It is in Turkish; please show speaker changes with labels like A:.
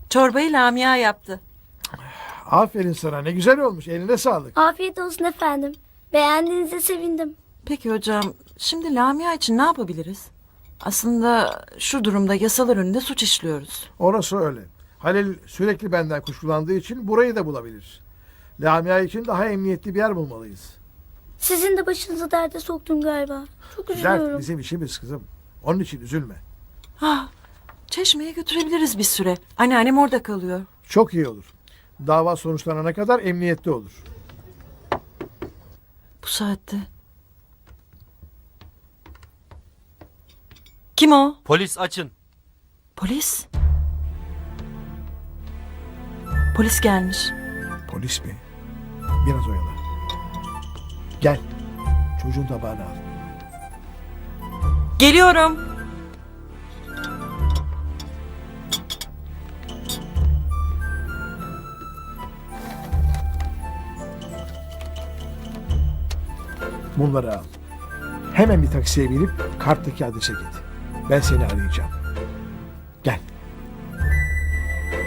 A: Çorbayı Lamia yaptı.
B: Aferin sana, ne güzel olmuş, eline sağlık.
C: Afiyet olsun efendim. Beğendiğinize sevindim.
A: Peki hocam, şimdi Lamia için ne yapabiliriz? Aslında şu durumda yasalar önünde suç işliyoruz.
B: Orası öyle. Halil sürekli benden kuşkulandığı için burayı da bulabilir. Lamia için daha emniyetli bir yer bulmalıyız.
C: Sizin de başınızı derde soktum galiba. Çok üzülüyorum.
B: Dert bizim işimiz kızım. Onun için üzülme.
A: Çeşme'ye götürebiliriz bir süre. Anneannem orada kalıyor.
B: Çok iyi olur. Dava sonuçlanana kadar emniyette olur.
A: Bu saatte. Kim o?
D: Polis açın.
A: Polis. Polis gelmiş.
B: Polis mi? Biraz oyala. Gel. Çocuğun tabağını al.
A: Geliyorum.
B: Bunları al. Hemen bir taksiye binip karttaki adrese git. Ben seni arayacağım. Gel.